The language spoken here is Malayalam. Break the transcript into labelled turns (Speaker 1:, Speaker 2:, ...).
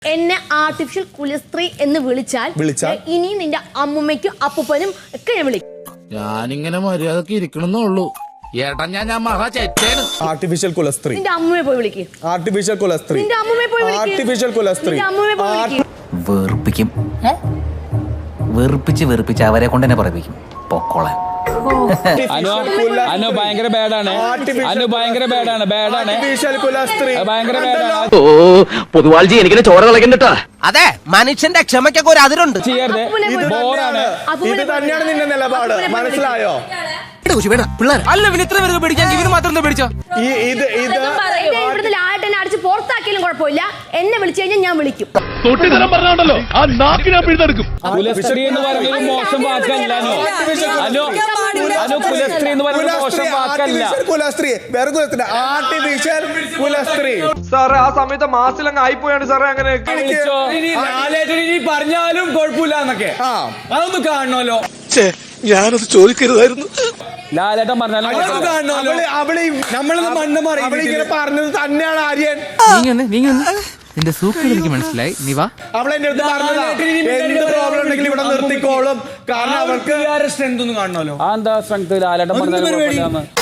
Speaker 1: എന്നെ ആർട്ടിഫിഷ്യൽ കുലസ്ത്രീ എന്ന് വിളിച്ചാൽ ഇനി നിന്റെ അമ്മുമ്മയ്ക്കും അപ്പൂപ്പനും ഒക്കെ ഞാൻ വിളിക്കും.
Speaker 2: ഞാനിങ്ങനെ മര്യാദക്ക് ഇരിക്കണമെന്നുള്ളൂ. ഏട്ടാ ഞാൻ മഹാ ചേച്ചേന്.
Speaker 3: ആർട്ടിഫിഷ്യൽ കുലസ്ത്രീ
Speaker 1: നിന്റെ അമ്മുമ്മയെ പോയി വിളിക്കും.
Speaker 3: ആർട്ടിഫിഷ്യൽ കുലസ്ത്രീ
Speaker 1: നിന്റെ അമ്മുമ്മയെ പോയി വിളിക്കും.
Speaker 3: ആർട്ടിഫിഷ്യൽ കുലസ്ത്രീ
Speaker 4: വെറുപ്പിക്കും. വെറുപ്പിച്ച് അവരെ കൊണ്ട് തന്നെ പറയിപ്പിക്കും. പൊക്കോളാൻ
Speaker 5: അനു ഭയങ്കര ബാഡാണ്. അനു ഭയങ്കര ബാഡാണ്. ഭയങ്കര ബാഡാണ്.
Speaker 6: ഓ പൊതുവാൾജി എനിക്കിനെ ചോര കളക്കണ്ടട്ടാ.
Speaker 7: അതെ, മനുഷ്യന്റെ ക്ഷമയ്ക്കൊക്കെ ഒരു അതിരുണ്ട്.
Speaker 5: ചെയ്യരുത്. ബോറാണ്.
Speaker 3: ഇത് തന്നെയാണ് നിന്റെ നിലപാട്, മനസ്സിലായോ?
Speaker 7: അല്ല, പിന്നെ ഇത്ര പേർക്ക് പിടിക്കാൻ ഇവര് മാത്രം പിടിച്ചോ?
Speaker 1: ഇവിടുന്ന് ലായട്ടെന്നെ അടിച്ച് പുറത്താക്കിയാലും കുഴപ്പമില്ല. എന്നെ വിളിച്ചു കഴിഞ്ഞാൽ ഞാൻ വിളിക്കും.
Speaker 5: കുലസ്ത്രീ എന്ന് പറയുന്നത് മോശം വാക്കല്ല. അനു കുലസ്ത്രീ എന്ന് പറയുന്നത് മോശം വാക്കല്ല.
Speaker 3: ആർട്ടിഫിഷ്യൽ കുലസ്ത്രീ.
Speaker 8: സാറേ, ആ സമയത്ത് മാസിലങ്ങ് ആയിപ്പോയാണ് സാറേ. അങ്ങനെ
Speaker 5: പറഞ്ഞാലും കുഴപ്പമില്ല എന്നൊക്കെ അതൊന്ന് കാണണമല്ലോ.
Speaker 6: ഞാനത് ചോദിക്കരുതായിരുന്നു.
Speaker 5: ലാലേട്ടൻ പറഞ്ഞാലും
Speaker 3: നമ്മളൊന്ന് മണ്ണ് മാറി പറഞ്ഞത് തന്നെയാണ് ആര്യൻ.
Speaker 4: നിന്റെ സൂക്കട് എനിക്ക് മനസ്സിലായി. നീ വാ.
Speaker 3: അവളെന്റെ അടുത്ത് പറഞ്ഞതാ, എന്ത് പ്രോബ്ലം ഉണ്ടെങ്കിലും ഇവിടെ നിർത്തിക്കോളും. കാരണം അവർക്ക്
Speaker 5: സ്ട്രെങ്ത് ഒന്നും കാണണമല്ലോ. ആ എന്താ സ്ട്രെങ്ത് ലാലേട്ടൻ പറഞ്ഞാലും